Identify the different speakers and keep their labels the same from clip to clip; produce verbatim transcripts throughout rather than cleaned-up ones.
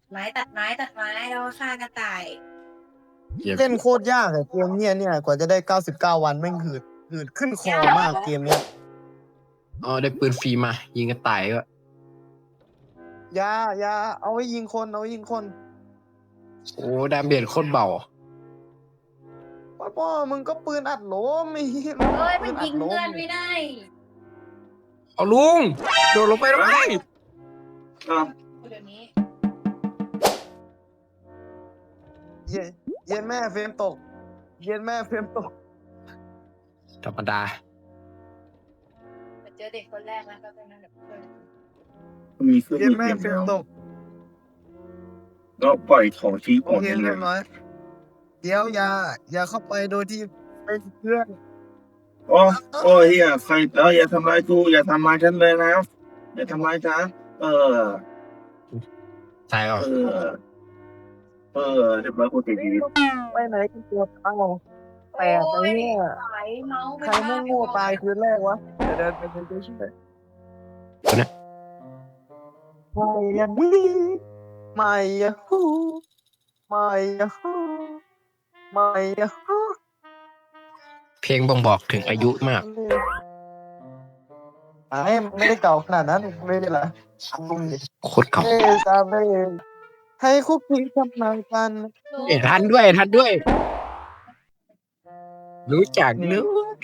Speaker 1: ไม้ตัดไม้ตัดไม้แล้วก็ฆ่ากระต่าย
Speaker 2: เก็บ
Speaker 3: เล่นโคตรยากอะเกมเนี้ยเนี่ยกว่าจะได้เก้าสิบเก้าวันแม่งหืดหืดขึ้นคอมากเกมเนี้ย
Speaker 2: อ๋อได้ปืนฟรีมายิงกระต่ายก็
Speaker 3: อย่าอย่าเอาไว้ยิงคนเอาไว้ยิงคน
Speaker 2: โอ้ดาเมจโคตรเบา
Speaker 3: พ่อพ่อมึงก็ปืนอัดโหลมไอ้เหี้ย
Speaker 1: เอ้ยมัน
Speaker 3: ปื
Speaker 1: ยิง
Speaker 3: ดโหล
Speaker 1: เพื่อนไม่ได้
Speaker 2: เอาลุงโดดลงไปทำไม
Speaker 4: ครับ
Speaker 1: เดี๋ยวนี้
Speaker 3: เย็นเย็นแม่เฟรมตก เย็นแม่เฟรมตก
Speaker 2: ธรรมดา
Speaker 1: เจอเด็กคนแรกแล้วก็เป็นนั่นแบบเพื่อน
Speaker 4: มีเครื่อง
Speaker 3: เย็น
Speaker 4: มือ
Speaker 3: แม่
Speaker 4: เตรียม
Speaker 3: เฟรม
Speaker 4: แล้ว
Speaker 3: ตก
Speaker 4: แล้วปล่อยของชี้
Speaker 3: โอ
Speaker 4: ก่อน
Speaker 3: เค
Speaker 4: ยังไง
Speaker 3: เรียบร้อยเดี๋ยวอย่า อย่าเข้าไปโดยที่เป็นเพื่อน
Speaker 4: โอ้โอ้เฮียใครเอออย่าทำร้ายกูอย่าทำร้ายฉันเลยนะอย่าทำร้ายฉันเออ
Speaker 2: ใช่หรอ
Speaker 4: เออ เออเรียบร้อยกูติดชีวิต
Speaker 3: ไปไหนกันตัวเอ้าแปลกไอ้เนี่ย
Speaker 1: สายเมาส์
Speaker 3: ใครแม่งโง่ตายคืนแรกวะเดี๋ยวเดินไปเป็นตัวช่วยไม่อะนี่ไม่อะฮูไม่อะฮูไม่อะฮู
Speaker 2: เพลงบ่งบอกถึงอายุมาก
Speaker 3: ไอ้ไม่ได้เก่าขนาดนั้นไม่ได้ละลุงดิ
Speaker 2: โคตรเก่า
Speaker 3: เอ้ยตามได้เองให้คุกคีทำนายกัน
Speaker 2: เอ็ทันด้วยทันด้วย รู้จักนึก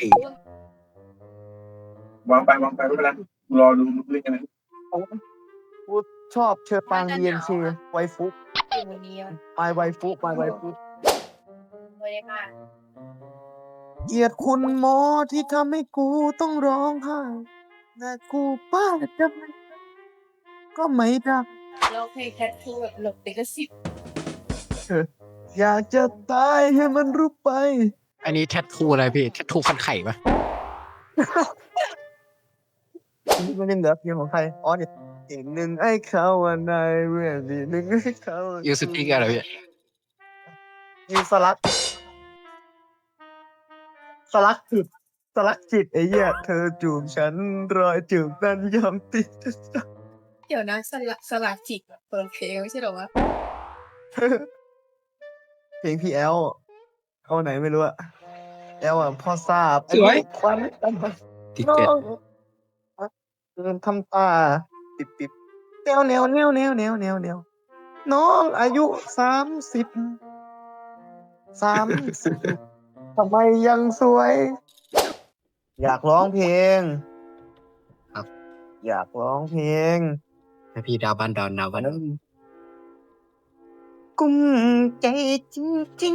Speaker 4: วางไปวางไปไม่เป็นไรรอดูเรื่องกันนะ
Speaker 3: กูชอบเชอปังเยียนเชไวฟุก
Speaker 1: อยู่ในนี้มัน
Speaker 3: ไมไวฟุกไมไวฟุก
Speaker 1: ไม่ได้ค่ะ
Speaker 3: เกลียดคุณหมอที่ทำให้กูต้องร้องไห้แต่กูป้าจะไม่ก็ไม่ได้
Speaker 1: เราเพลงแคทคือแบบหลบติดกระสิบ
Speaker 3: อยากจะตายให้มันรู้ไป
Speaker 2: อันนี้แทททูอะไรพี่แทททูฟันไข่ปะ
Speaker 3: นี่มันยังเหลือเพียงของใครอ๋อเนี่ยอีกหนึ่งไอ้เขาว่าในเรื่องดีหนึ่งไอ้เขา
Speaker 2: ยูสติกอะไรพี่
Speaker 3: ยูสลักสลักจิตสลักจิตไอ้เหี้ยเธอจูบฉันรอยจูบนั้นยอมติด
Speaker 1: เดี๋ยวนะสลักสลักจิกเปิดเพลงไม่ใช่หรอวะ
Speaker 3: เพลงพี่แอลเอาไหนไม่รู้อะแอลอะพ่อทราบ
Speaker 2: สวย
Speaker 3: ควัน
Speaker 2: ติด
Speaker 3: น้อ
Speaker 2: เป็ด
Speaker 3: งเดินทำตาปิดปิดแนวแนวแนวแนวแนวแนวแนวน้องอายุสามสิบสามสิบทำไมยังสวย อยากร้องเพลง
Speaker 2: ครับ
Speaker 3: อยากร้องเพลง
Speaker 2: ให้พี่ดาวบันดอนดาวบัน
Speaker 3: กุ้มใจจริง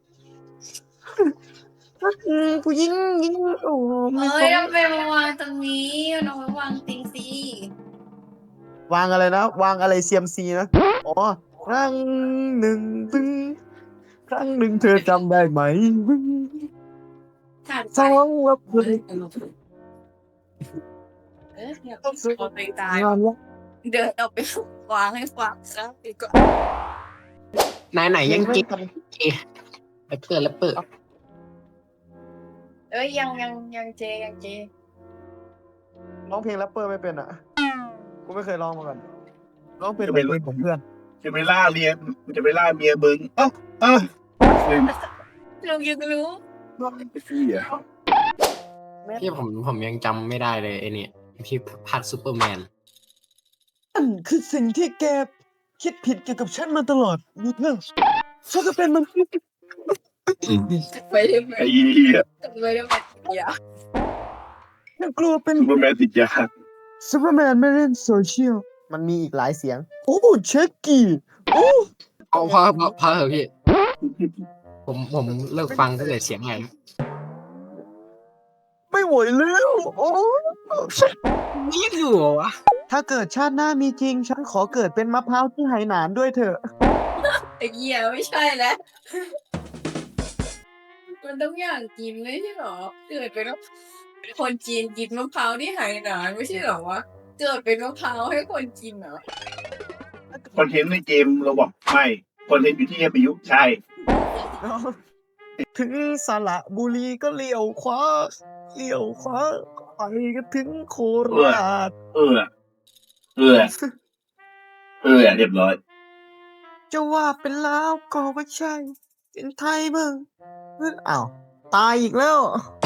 Speaker 3: ๆรักผู้หญิงยิงโอ้ไม่
Speaker 1: เอ้
Speaker 3: ส
Speaker 1: ย
Speaker 3: น
Speaker 1: ทำไมมาวางตรงนี้เอามาวางติงซี
Speaker 3: วางอะไรนะ วางอะไรเซียมซีนะ อ๋อ ครั้งหนึ่งบึ้งครั้งหนึ่งเธอจำได้ไหมบึ้ง
Speaker 1: ถ่านไฟ
Speaker 3: สองว่าเพื่อน
Speaker 1: เออเนี่ยเอาไปตาย
Speaker 3: งานละ
Speaker 1: เดินเอาไปวางให้ฟังซะดีกว่า
Speaker 2: ไหนไหนยัง
Speaker 3: ไม่
Speaker 2: กิ๊ก
Speaker 3: ทำ
Speaker 2: แรปเปอร์แรปเปอร์
Speaker 1: เอ้ยยังยังยังเจยังเจ
Speaker 3: ร้องเพลงแรปเปอร์ไม่เป็นอ่ะ กูไม่เคยร้องมาก่อนร้องเพลงเป็นเพลงของเพื่อน
Speaker 4: จะไปล่าเมียจะไปล่าเมียมึงเอ้าเอ้าเฮ้ย
Speaker 1: ลุงยังรู้
Speaker 4: ไอ้พี่อ่ะ
Speaker 2: พี่ผมผมยังจำไม่ได้เลยไอ้นี่พี่พัดซูเปอร์แมน
Speaker 3: อันคือสิ่งที่แกคิดผิดเกี่ยวกับฉันมาตลอดนี่เพื่อนฉันก็เป็นมันษย์
Speaker 1: ไปได้ไหม
Speaker 4: ไอ้เหี้ย
Speaker 1: ไปได้ไหมอย่า
Speaker 3: ฉันกลัวเป็น
Speaker 4: ซูเปอร์แมนติดยา
Speaker 3: ซูเปอร์แมนไม่เล่นโซเชียล มันมีอีกหลายเสียง โอ้เช็คกี้ โอ้
Speaker 2: เอาพอพอพอเถอะพี่ ผมผมเลิกฟังตั้งแต่เสียงไง
Speaker 3: ไม่ไหวแล้วโอ้
Speaker 2: นี่อยู่เหรอวะ
Speaker 3: ถ้าเกิดชาติหน้ามีจริง ฉันขอเกิดเป็นมะพร้าวที่ไหหนานด้วยเถอะ
Speaker 1: ไอ้เหี้ยไม่ใช่แล้วมันต้องอย่างกินไม่ใช่หรอเกิดเป็นคนจีนกินมะพร้าวที่ไหหนานไม่ใช่หรอวะเกิดเป็นมะพร้าวให้คนกินเหรอ
Speaker 4: คอนเทนต์ในเกมเราบอกไม่คอนเทนต์อยู่ที่เอพียุใช่
Speaker 3: ถึงสระบุรีก็เลี้ยวขวาเลี้ยวขวาไปก็ถึงโคราช
Speaker 4: เออ เออ เออเรียบร้อย
Speaker 3: จะว่าเป็นลาวก็ว่าใช่ เป็นไทยเบิ่งเอ้ยอ้าว ตายอีกแล้ว